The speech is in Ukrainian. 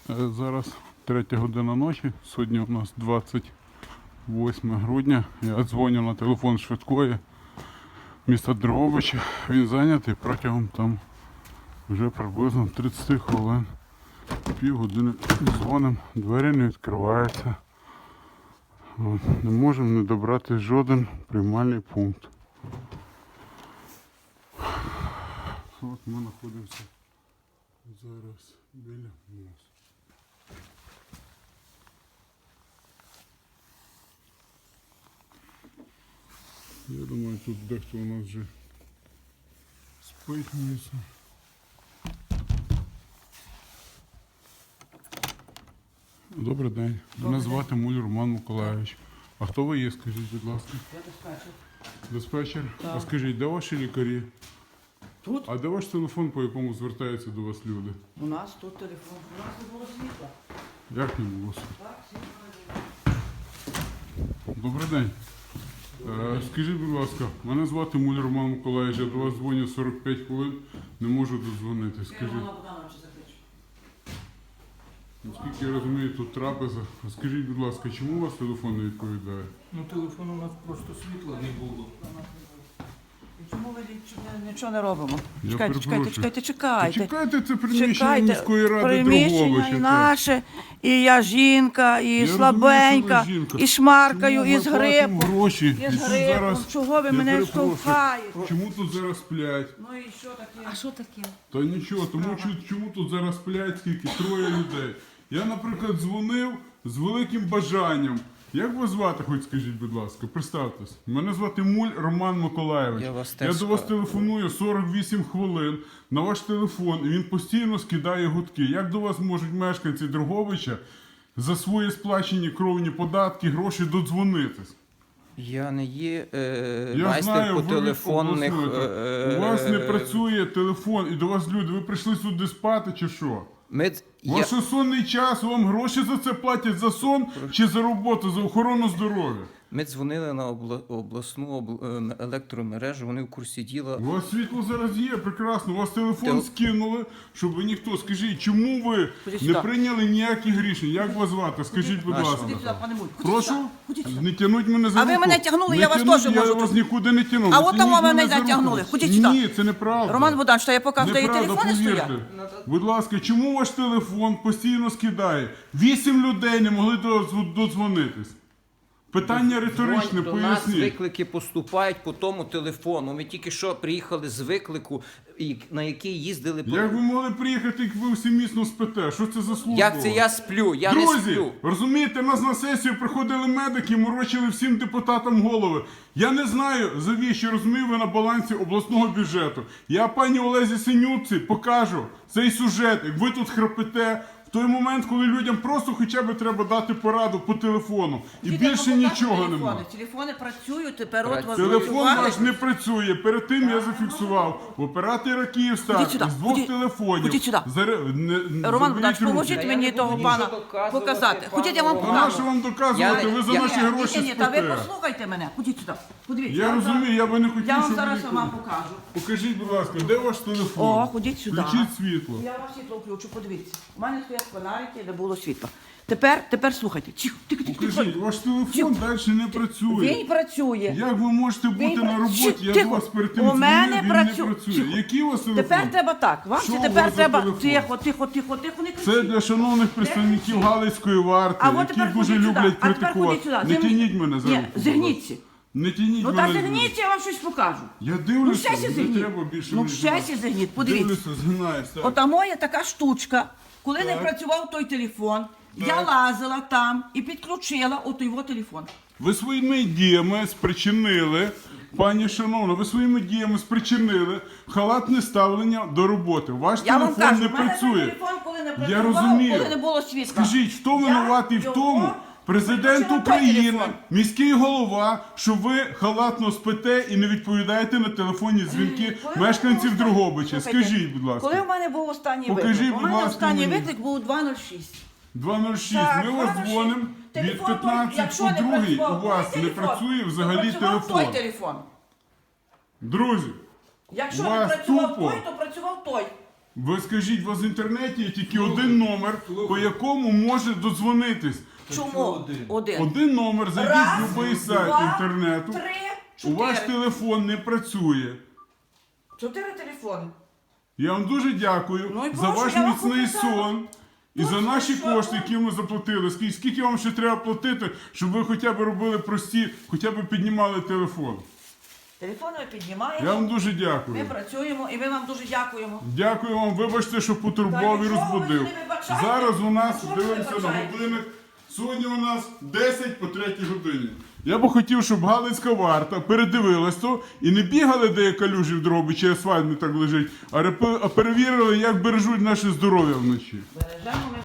Зараз 3 година ночі, сьогодні у нас 28 грудня. Я дзвоню на телефон швидкої міста Дрогобича. Він зайнятий протягом там вже приблизно 30 хвилин. Півгодини дзвоним, двері не відкриваються. Не можемо не добрати жоден приймальний пункт. От ми знаходимося зараз біля мосту. Я думаю, тут дехто у нас вже спить місце. Добрий день. Мене звати Муль Роман Миколайович. А хто ви є, скажіть, будь ласка? Я диспетчер. Диспетчер? Так. А скажіть, де ваші лікарі? Тут? А де ваш телефон, по якому звертаються до вас люди? У нас тут телефон. У нас не було світла. Як не було? Так, світла не було. Добрий день. Скажіть, будь ласка, мене звати Муль Роман Миколайович, я до вас дзвоню 45 хвилин, не можу додзвонити. Скажіть, наскільки я розумію, тут трапеза. А скажіть, будь ласка, чому у вас телефон не відповідає? Ну, телефон у нас просто світла не було. Чому ви нічого не робимо? Я Чекайте, перепрошую. чекайте. Це приміщення міської ради приміщення і Дрогобича. наше, і я жінка, і слабенька, і шмаркаю, і з грипом. Гроші. І з грипом. Чого ви мене штовхаєте? Чому тут зараз сплять? Ну і що таке? А що таке? Та нічого, тому чому тут зараз сплять скільки? 3 людей. Я, наприклад, дзвонив з великим бажанням. Як вас звати, хоч скажіть, будь ласка, представтесь. Мене звати Муль Роман Миколайович. Я до вас телефоную 48 хвилин на ваш телефон, і він постійно скидає гудки. Як до вас можуть мешканці Дрогобича за свої сплачені кровні податки, гроші додзвонитись? Я не є Я майстер знаю, по ви телефонних... У вас не працює телефон, і до вас люди, ви прийшли сюди спати чи що? Ваш сонний час, вам гроші за це платять, за сон чи за роботу, за охорону здоров'я? Ми дзвонили на обласну електромережу, вони в курсі діла. У вас світло зараз є, прекрасно, у вас телефон скинули, щоб ви ніхто. Скажіть, чому ви не прийняли ніяких рішень? Як вас звати? Скажіть, будь ласка. Ходіть сюди, пане Муль. Прошу? Не тягнуть мене за руку. А ви мене тягнули, я вас теж можу. Я вас нікуди не тягнув. А от там ви мене затягнули. Ходіть сюди. Ні, це неправда. Роман Богданович, що я покажу, де Неправда, телефони стоять? повірте. Будь ласка, чому ваш телефон постійно скидає? 8 людей не могли додзвонитись. Питання риторичне, До нас поясніть. виклики поступають по тому телефону. Ми тільки що приїхали з виклику, на який їздили по... Як ви могли приїхати, як ви всі міцно спите? Що це за служба? Як це я сплю? Я не Друзі, сплю. розумієте, нас на сесію приходили медики, морочили всім депутатам голови. Я не знаю, завіщо, розумію, ви на балансі обласного бюджету. Я пані Олезі Синютці покажу цей сюжет, як ви тут храпите, в той момент, коли людям просто хоча б треба дати пораду по телефону. І більше нічого немає. Телефони працюють, тепер от вас Телефон ваш не працює. Перед тим я зафіксував в оператора Київстар з 2 телефонів. Ходіть сюди. Роман Богданович, поможіть мені того пана показати. Ходіть, я вам А на що покажу. вам доказувати? Ви за наші гроші Ні, та ви спите. послухайте мене. Ходіть сюди. Подивіться. Я розумію, я би не хотів, Я вам щоб зараз ви вам покажу. Покажіть, будь ласка, де ваш телефон? О, ходіть сюди. Включіть світло. Я вам світло включу, подивіться. У мене стоять фонарики, де було світло. Тепер слухайте. Тихо. Покажіть, ваш телефон далі не працює. Він працює. Як ви можете бути Він на роботі? Я Тихо. до вас перед тим У мене дзвонив, він працює. не працює. Тихо. Який у вас телефон? Тепер треба так. Вам Що це у тепер вас за треба. телефон? Тихо, не Це кричіть. для шановних представників Галицької варти, А от які тепер дуже ходіть сюди. люблять А тепер ходіть критикувати. сюди. Не тяніть мене за руку. Ні, будь ласка. зігніться. Не тяніть Ну мене. так зігніться, я вам щось покажу. Я Ну дивлюся, щастя не зігніть. треба більше. Ну мені щастя зігніть, подивіться. Дивлюся, згинаєш. так. Ота моя така штучка, коли не Так. працював той телефон, я Так. лазила там і підключила от його телефон. Ви своїми діями спричинили, пані шановна, ви своїми діями спричинили халатне ставлення до роботи. Ваш Я вам телефон кажу, не в мене працює. телефон, коли не Я працював, розумію. коли не було світла. Скажіть, хто винуватий в його тому, президент виключила той України, телефон. міський голова, що ви халатно спите і не відповідаєте на телефонні дзвінки Коли в мешканців мене був Дрогобича? останній- Скажіть, будь ласка. Коли в мене був останній Покажіть, виклик? будь У мене ласка, останній мені. виклик був 206. 206. Так, Ми вас 206. дзвонимо від Телефон 15 той, якщо по не 2 працював у вас той не телефон, працює то взагалі працював телефон. той телефон. Друзі, Якщо У не вас працював тупо. той, то працював той. Ви скажіть, у вас в інтернеті є тільки один номер, по якому може додзвонитись. Чому? Один. Один номер, зайдіть Раз, в будь-який сайт два, інтернету. 3, У ваш 4. телефон не працює. 4 телефони. Я вам дуже дякую Ну і за прошу, ваш я вам міцний показала. сон і за Точно, наші що кошти, ви? які ми заплатили. Скільки вам ще треба платити, щоб ви хоча б робили прості, хоча б піднімали телефон. Телефон ми піднімаємо, Я вам дуже ми дякую. працюємо і ми вам дуже дякуємо. Дякую вам, вибачте, що потурбував і Та нічого ви розбудив. не вибачайте. Зараз у нас, А що ви дивимося на вибачаєте? годинник, сьогодні у нас 10 по 3 годині. Я би хотів, щоб Галицька варта передивилась то і не бігали, де є калюжі в дробі, чи асфальт не так лежить, а перевірили, як бережуть наше здоров'я вночі. Бережемо ми